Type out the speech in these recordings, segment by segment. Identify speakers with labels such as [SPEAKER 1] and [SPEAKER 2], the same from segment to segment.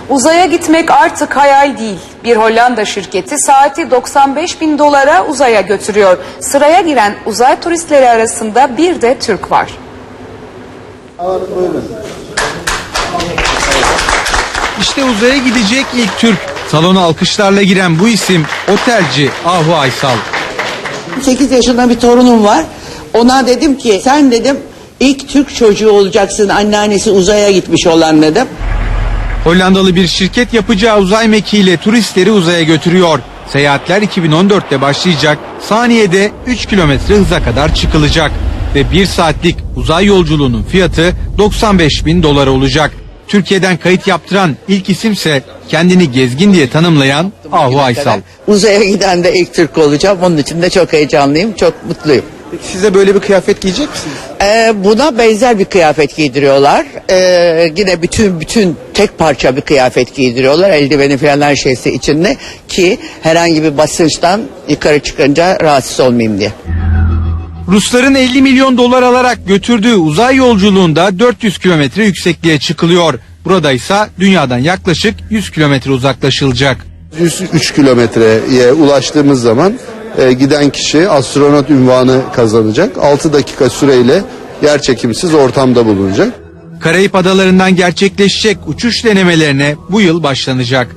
[SPEAKER 1] Uzaya gitmek artık hayal değil. Bir Hollanda şirketi saati $95.000 uzaya götürüyor. Sıraya giren uzay turistleri arasında bir de Türk var.
[SPEAKER 2] İşte uzaya gidecek ilk Türk. Salona alkışlarla giren bu isim otelci Ahu Aysal.
[SPEAKER 3] 8 yaşında bir torunum var. Ona dedim ki sen dedim ilk Türk çocuğu olacaksın, anneannesi uzaya gitmiş olan dedim.
[SPEAKER 2] Hollandalı bir şirket yapacağı uzay mekiğiyle turistleri uzaya götürüyor. Seyahatler 2014'te başlayacak, saniyede 3 kilometre hıza kadar çıkılacak. Ve 1 saatlik uzay yolculuğunun fiyatı $95.000 olacak. Türkiye'den kayıt yaptıran ilk isimse kendini gezgin diye tanımlayan Ahu Aysal.
[SPEAKER 3] Uzaya giden de ilk Türk olacağım. Onun için de çok heyecanlıyım, çok mutluyum.
[SPEAKER 4] Peki siz de böyle bir kıyafet giyecek misiniz?
[SPEAKER 3] Buna benzer bir kıyafet giydiriyorlar. Yine bütün tek parça bir kıyafet giydiriyorlar. Eldiveni falan her şeysi içinde ki herhangi bir basınçtan yukarı çıkınca rahatsız olmayayım diye.
[SPEAKER 2] Rusların $50 milyon alarak götürdüğü uzay yolculuğunda 400 kilometre yüksekliğe çıkılıyor. Burada ise dünyadan yaklaşık 100 kilometre uzaklaşılacak.
[SPEAKER 5] 103 kilometreye ulaştığımız zaman giden kişi astronot unvanı kazanacak. 6 dakika süreyle yerçekimsiz ortamda bulunacak.
[SPEAKER 2] Karayip adalarından gerçekleşecek uçuş denemelerine bu yıl başlanacak.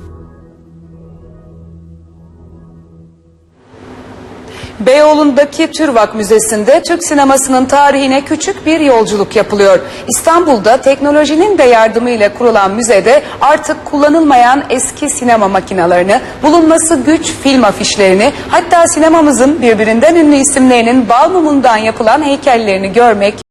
[SPEAKER 1] Beyoğlu'ndaki TÜRVAK Müzesi'nde Türk sinemasının tarihine küçük bir yolculuk yapılıyor. İstanbul'da teknolojinin de yardımıyla kurulan müzede artık kullanılmayan eski sinema makinalarını, bulunması güç film afişlerini, hatta sinemamızın birbirinden ünlü isimlerinin bal mumundan yapılan heykellerini görmek